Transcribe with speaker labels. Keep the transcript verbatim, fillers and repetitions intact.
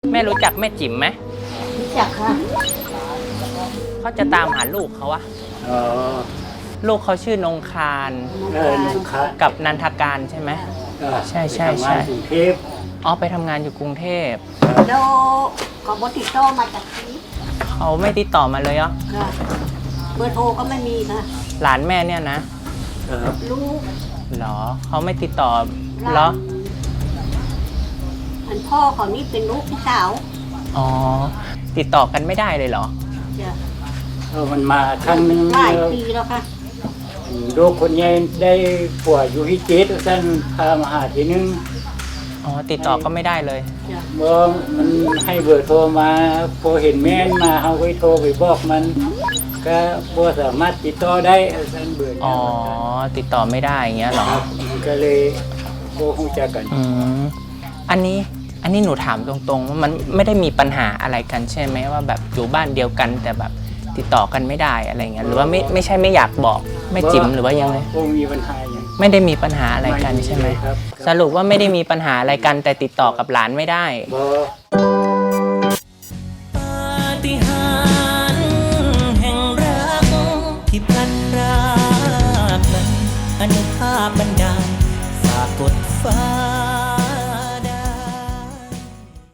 Speaker 1: แม่รู้จักแม่จิ๋มไหม
Speaker 2: รู้จักค่ะ
Speaker 1: เขาจะตามหาลูกเขาวะ
Speaker 3: อ๋อ
Speaker 1: ลูกเขาชื่อนงคาร
Speaker 3: เออนงคาร
Speaker 1: กับนันทการใช่ไหมใช่ใช่ใช่
Speaker 3: กรุงเทพ
Speaker 1: อ๋อไปทำงานอยู่กรุงเทพ
Speaker 2: แล้วเขาบติดต่อมาจากที่
Speaker 1: เขาไม่ติดต่อมาเลยเหรอ
Speaker 2: ค่ะเบอร์โทรก็ไม่มีค่ะ
Speaker 1: หลานแม่เนี่ยนะ
Speaker 2: ลูก
Speaker 1: เหรอเขาไม่ติดต่อเหรอ
Speaker 2: อันพ่อเขานี่เป็นลูกพี่สาว
Speaker 1: อ๋อติดต่อกันไม่ได้เลยเหรอ
Speaker 2: จ้ะ
Speaker 3: เออมันมาครั้งนึง
Speaker 2: หลายปีแล้วค่ะ
Speaker 3: ลูกคนใหญ่ได้ป่วยอยู่ที่เจ็ดท่านพามาหาทีนึง
Speaker 1: อ๋อติดต่อก็ไม่ได้เลย
Speaker 3: เมื่อมันให้เบอร์โทรมาพอเห็นแม่นมาเขาไปโทรไปบอกมันก็บ่สามารถติดต่อได้ท่านเบอร์
Speaker 1: อ๋อติดต่อไม่ได้อย่างเงี้ยหรอ
Speaker 3: ก็เลยโทรคุยกัน
Speaker 1: อืมอันนี้อันนี้หนูถามตรงๆว่ามันไม่ได้มีปัญหาอะไรกันใช่ไหมว่าแบบอยู่บ้านเดียวกันแต่แบบติดต่อกันไม่ได้อะไรเงี้ยหรือว่าไม่ไม่ใช่ไม่อยากบอกไม่จิ๋มหรือว่ายังไง
Speaker 3: คงมีปัญหาอย่าง
Speaker 1: ไม่ได้มีปัญหาอะไรกันใช่ไหมสรุปว่าไม่ได้มีปัญหาอะไรกันแต่ติดต่อกับหลานไม่ได้
Speaker 4: ปาฏิหาริย์แห่งรักที่พลันพรากนั้นอนุภาพบันดาล